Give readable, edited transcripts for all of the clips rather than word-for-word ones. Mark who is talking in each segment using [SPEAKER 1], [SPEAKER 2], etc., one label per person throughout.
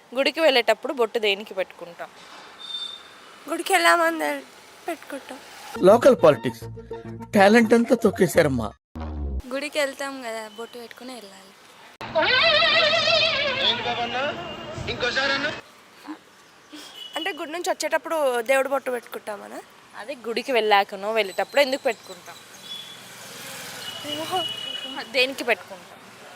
[SPEAKER 1] గుడికి వెళ్ళేటప్పుడు బొట్టు దేనికి పెట్టుకుంటాం?
[SPEAKER 2] గుడికి వెళ్ళామని పెట్టుకుంటాం.
[SPEAKER 3] లోకల్ పాలిటిక్స్ టాలెంట్ అంతా తొక్కేశారమ్మా.
[SPEAKER 2] గుడికి వెళ్తాం కదా, బొట్టు పెట్టుకుని వెళ్ళాలి. అంటే గుడి నుంచి వచ్చేటప్పుడు దేవుడు బొట్టు పెట్టుకుంటామనా?
[SPEAKER 1] అదే గుడికి వెళ్ళాకనో వెళ్ళేటప్పుడు ఎందుకు పెట్టుకుంటాం? దేనికి పెట్టుకుంటాం?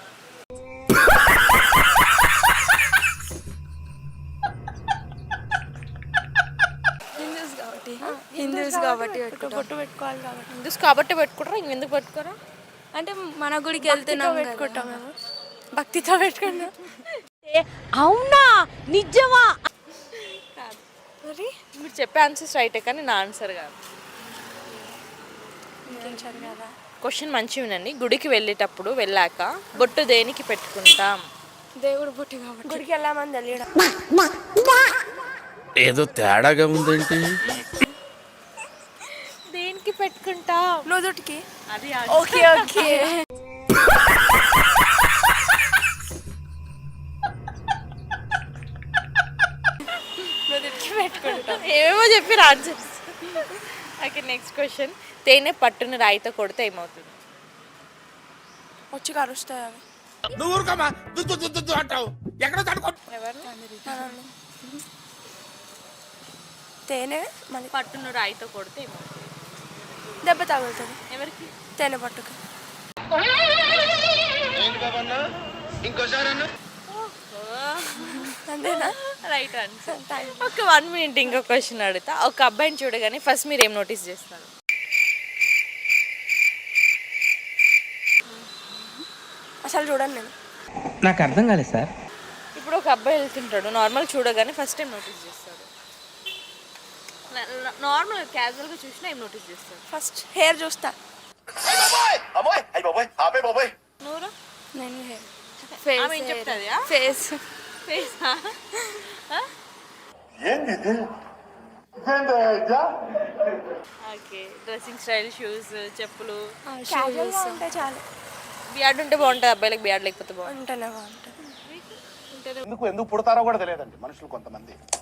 [SPEAKER 2] హిందూస్ కాబట్టి
[SPEAKER 1] బొట్టు పెట్టుకోవాలి కాబట్టి. హిందూస్ కాబట్టి పెట్టుకుంటారా? ఇంకెందుకు పెట్టుకోరా?
[SPEAKER 2] అంటే మన గుడికి వెళ్తున్నాం పెట్టుకుంటాం మేము, భక్తితో పెట్టుకుంటాం.
[SPEAKER 1] అవునా, నిజమా? మరి మీరు చెప్పే ఆన్సర్స్ రైటే, కానీ నా ఆన్సర్ కాదు.
[SPEAKER 2] కదా
[SPEAKER 1] క్వశ్చన్ మంచిగా వినండి. గుడికి వెళ్ళేటప్పుడు వెళ్ళాక బొట్టు దేనికి పెట్టుకుంటాం?
[SPEAKER 2] దేవుడు బొట్టు కాబట్టి. గుడికి వెళ్ళామని తెలియడం.
[SPEAKER 3] ఏదో తేడాగా ఉందేంటి?
[SPEAKER 1] దేనికి పెట్టుకుంటాం?
[SPEAKER 2] నుదుటికి.
[SPEAKER 1] అది
[SPEAKER 2] ఓకే ఓకే. నుదుటికి పెట్టుకుంటాం.
[SPEAKER 1] ఏమేమో చెప్పారు ఆన్సర్స్. Okay, next question. తేనె పట్టును రాయితో కొడితే ఏమవుతుంది?
[SPEAKER 2] వచ్చి కరుస్తాయి అవి.
[SPEAKER 3] నువ్వు ఊరుకోమా, అంటావు ఎక్కడో తడుకో.
[SPEAKER 1] ఎవరు?
[SPEAKER 2] తేనె మళ్ళీ
[SPEAKER 1] పట్టును రాయితో కొడితే ఏమవుతుంది?
[SPEAKER 2] దెబ్బ తగులుతుంది.
[SPEAKER 1] ఎవరికి?
[SPEAKER 2] తేనె పట్టుకు. అంతేనా?
[SPEAKER 1] Right answer. ఒక 1 minute ఇంకో క్వశ్చన్ అడుగుతా. ఒక అబ్బాయిని చూడగానే ఫస్ట్ మీరు ఏం నోటీస్ చేస్తారు?
[SPEAKER 2] అసలు చూడండి నేను.
[SPEAKER 4] నాకు అర్థం కాలేదు సార్.
[SPEAKER 1] ఇప్పుడు ఒక అబ్బాయి వెళ్తుంటాడు, నార్మల్ చూడగానే ఫస్ట్ టైం నోటీస్ చేస్తాడు. నార్మల్ క్యాజువల్గా చూసినా ఏం నోటీస్ చేస్తాడు?
[SPEAKER 2] ఫస్ట్ హెయిర్ చూస్తా.
[SPEAKER 1] నూరా?
[SPEAKER 2] నేను హెయిర్.
[SPEAKER 1] ఆమె ఏం చెప్తుంది?
[SPEAKER 2] ఫేస్.
[SPEAKER 1] ఫేసా? ఓకే. డ్రెస్సింగ్ స్టైల్, షూస్, చెప్పులు.
[SPEAKER 2] ఉంటే చాలు.
[SPEAKER 1] బియాడ్ ఉంటే బాగుంటుంది అబ్బాయిలకు, బియాడ్ లేకపోతే బాగుంటుంది.
[SPEAKER 2] ఉంటేనే బాగుంటుంది.
[SPEAKER 5] ఎందుకు పుడతారో కూడా తెలియదండి మనుషులు కొంతమంది.